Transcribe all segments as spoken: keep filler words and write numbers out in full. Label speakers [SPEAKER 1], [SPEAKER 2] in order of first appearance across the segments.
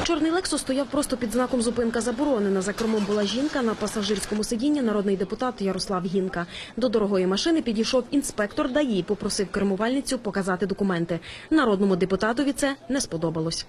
[SPEAKER 1] Чорний «Лексус» стояв просто під знаком «Зупинка заборонена». За кермом була жінка, на пасажирському сидінні народний депутат Ярослав Гінка. До дорогої машини підійшов інспектор ДАІ, попросив кермувальницю показати документи. Народному депутатові це не сподобалось.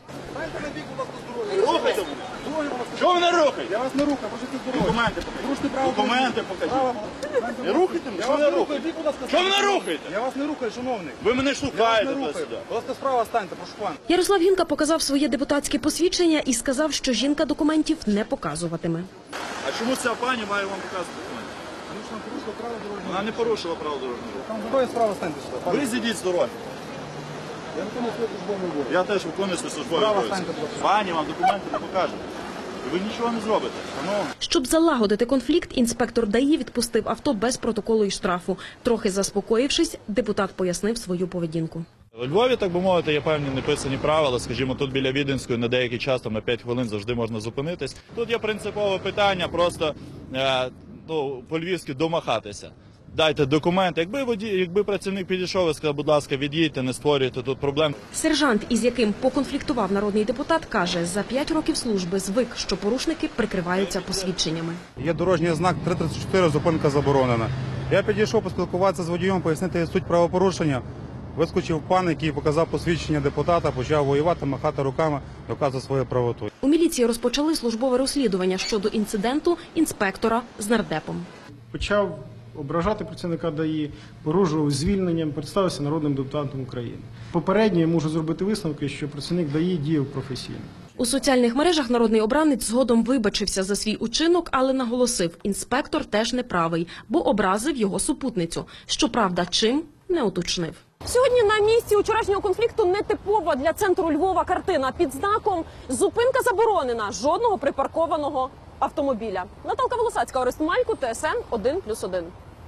[SPEAKER 2] Чого ви не рухаєте?
[SPEAKER 3] Я вас не рухаю, можете здоров'я.
[SPEAKER 2] Документи покажіть.
[SPEAKER 3] Поруште право.
[SPEAKER 2] Документи покажіть. Не рухайте мене? Чого ви не рухаєте? Чого ви не рухаєте?
[SPEAKER 3] Я вас не рухаю, шановний.
[SPEAKER 2] Ви мене
[SPEAKER 3] Я вас
[SPEAKER 2] штукаєте
[SPEAKER 3] не рухаю.
[SPEAKER 2] туди-сюди.
[SPEAKER 3] Будь ласка, справа станьте, прошу пана.
[SPEAKER 1] Ярослав Гінка показав своє депутатське посвідчення і сказав, що жінка документів не показуватиме.
[SPEAKER 2] А чому ця пані має вам показувати документи?
[SPEAKER 3] Вони ж нам порушили право дорожнього.
[SPEAKER 2] Вона не порушила право дорожнього руху.
[SPEAKER 3] Там здоров'я, справа станьте сюди. пане.
[SPEAKER 2] Ви зійдіть з дороги.
[SPEAKER 3] Я виконую свою службову обов'язок.
[SPEAKER 2] Я теж виконую свою службову
[SPEAKER 3] Справа
[SPEAKER 2] обов'язки.
[SPEAKER 3] станьте, будь ласка.
[SPEAKER 2] Пані вам документи не покаже. Ви нічого не зробите. Шановні.
[SPEAKER 1] Щоб залагодити конфлікт, інспектор ДАІ відпустив авто без протоколу і штрафу. Трохи заспокоївшись, депутат пояснив свою поведінку.
[SPEAKER 2] У Львові, так би мовити, є певні неписані правила. Скажімо, тут біля Віденської на деякий час, там на п'ять хвилин завжди можна зупинитись. Тут є принципове питання, просто е, ну, по-львівськи домахатися. Дайте документи. Якби водій, якби працівник підійшов і сказав, будь ласка, від'їдьте, не створюйте тут проблем.
[SPEAKER 1] Сержант, із яким поконфліктував народний депутат, каже, за п'ять років служби звик, що порушники прикриваються посвідченнями.
[SPEAKER 3] Є дорожній знак три тридцять чотири, зупинка заборонена. Я підійшов поспілкуватися з водієм, пояснити суть правопорушення. Вискочив пан, який показав посвідчення депутата, почав воювати, махати руками, доказувати свою правоту.
[SPEAKER 1] У міліції розпочали службове розслідування щодо інциденту інспектора з нардепом.
[SPEAKER 4] Почав ображати працівника ДАІ, погрожував звільненням, представився народним депутатом України. Попередньо я можу зробити висновки, що працівник ДАІ діяв професійно.
[SPEAKER 1] У соціальних мережах народний обранець згодом вибачився за свій учинок, але наголосив, інспектор теж неправий, бо образив його супутницю. Щоправда, чим – не уточнив.
[SPEAKER 5] Сьогодні на місці вчорашнього конфлікту нетипова для центру Львова картина. Під знаком «Зупинка заборонена», жодного припаркованого автомобіля. Наталка Волосацька, Орест Малько, ТСН один плюс один.